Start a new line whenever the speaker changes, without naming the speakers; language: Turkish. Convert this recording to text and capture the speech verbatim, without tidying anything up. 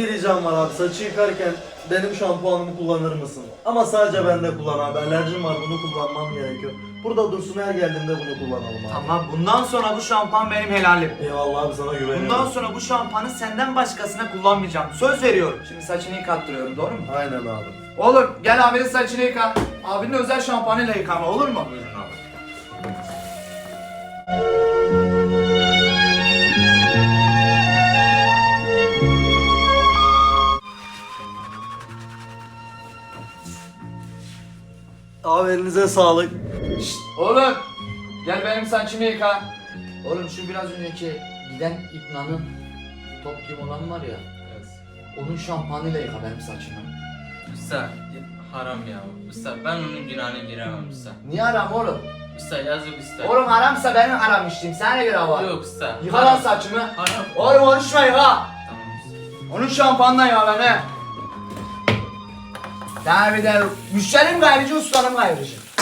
Bir ricam var abi, saçı yıkarken benim şampuanımı kullanır mısın? Ama sadece bende kullan abi, alerjim var, bunu kullanmam gerekiyor. Burada dursun, her geldiğimde bunu kullanalım abi.
Tamam, bundan sonra bu şampuan benim helalim.
Eyvallah abi, sana güveniyorum.
Bundan sonra bu şampuanı senden başkasına kullanmayacağım. Söz veriyorum. Şimdi saçını yıkattırıyorum, doğru mu?
Aynen abi.
Oğlum gel abinin saçını yıka. Abinin özel şampuanıyla yıkama, olur mu?
Buyurun abi.
Abi elinize sağlık.
Şşt, oğlum gel benim saçımı yıka. Oğlum şu biraz önceki giden İbna'nın top gibi olan var ya.
Evet.
Onun şampuanıyla yıka benim saçımı.
Usta haram ya. Usta ben onun günahına giremem usta.
Niye haram oğlum?
Usta yazık usta.
Oğlum haramsa benim haram içtiğim. Sana ne göre var?
Yok usta.
Yıka lan
Haram.
saçımı.
Haram.
Oğlum konuşma yıka.
Tamam usta.
Onun şampuanla yıka beni. Sana bir de müşterim gayrıcı, ustanım gayrıcı.